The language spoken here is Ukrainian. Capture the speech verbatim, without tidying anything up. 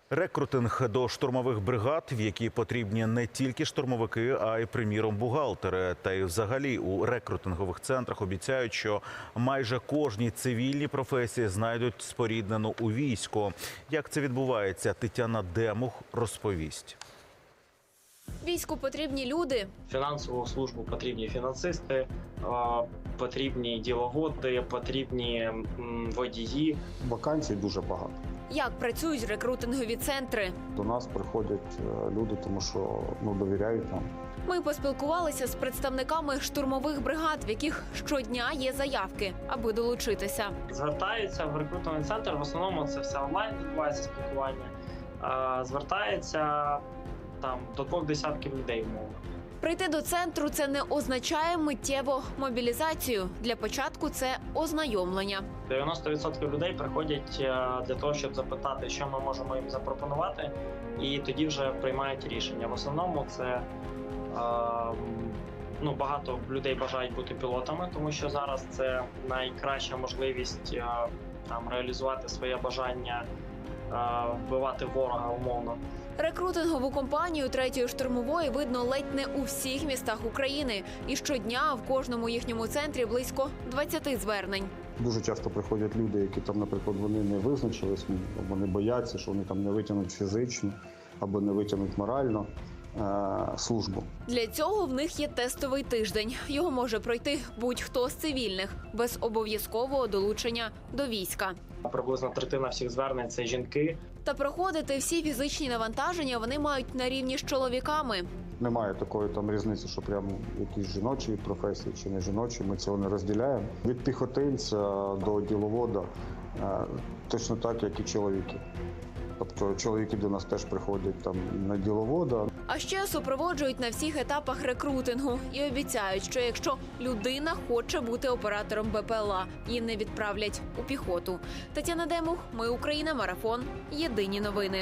Рекрутинг до штурмових бригад, в які потрібні не тільки штурмовики, а й, приміром, бухгалтери. Та й взагалі у рекрутингових центрах обіцяють, що майже кожній цивільній професії знайдуть споріднену у війську. Як це відбувається, Тетяна Демух розповість. Війську потрібні люди. Фінансову службу потрібні фінансисти, потрібні діловоди, потрібні водії. Вакансій дуже багато. Як працюють рекрутингові центри? До нас приходять люди, тому що ну, довіряють нам. Ми поспілкувалися з представниками штурмових бригад, в яких щодня є заявки, аби долучитися. Звертаються в рекрутинговий центр, в основному це все онлайн відбувається спілкування. Звертається там до двох десятків людей, умовно. Прийти до центру – це не означає миттєво мобілізацію. Для початку це ознайомлення. дев'яносто відсотків людей приходять для того, щоб запитати, що ми можемо їм запропонувати, і тоді вже приймають рішення. В основному це ну, багато людей бажають бути пілотами, тому що зараз це найкраща можливість там реалізувати своє бажання вбивати ворога умовно. Рекрутингову компанію третьої штурмової видно ледь не у всіх містах України. І щодня в кожному їхньому центрі близько двадцяти звернень. Дуже часто приходять люди, які там, наприклад, вони не визначились, вони бояться, що вони там не витягнуть фізично або не витягнуть морально е- службу. Для цього в них є тестовий тиждень. Його може пройти будь-хто з цивільних, без обов'язкового долучення до війська. Приблизно третина всіх звернень – це жінки. Та проходити всі фізичні навантаження вони мають на рівні з чоловіками. Немає такої там різниці, що прямо якісь жіночі професії чи не жіночі, ми цього не розділяємо. Від піхотинця до діловода е- точно так, як і чоловіки. Тобто чоловіки до нас теж приходять там на діловода. А ще супроводжують на всіх етапах рекрутингу і обіцяють, що якщо людина хоче бути оператором Б П Л А, її не відправлять у піхоту. Тетяна Демух, Ми Україна, Марафон. Єдині новини.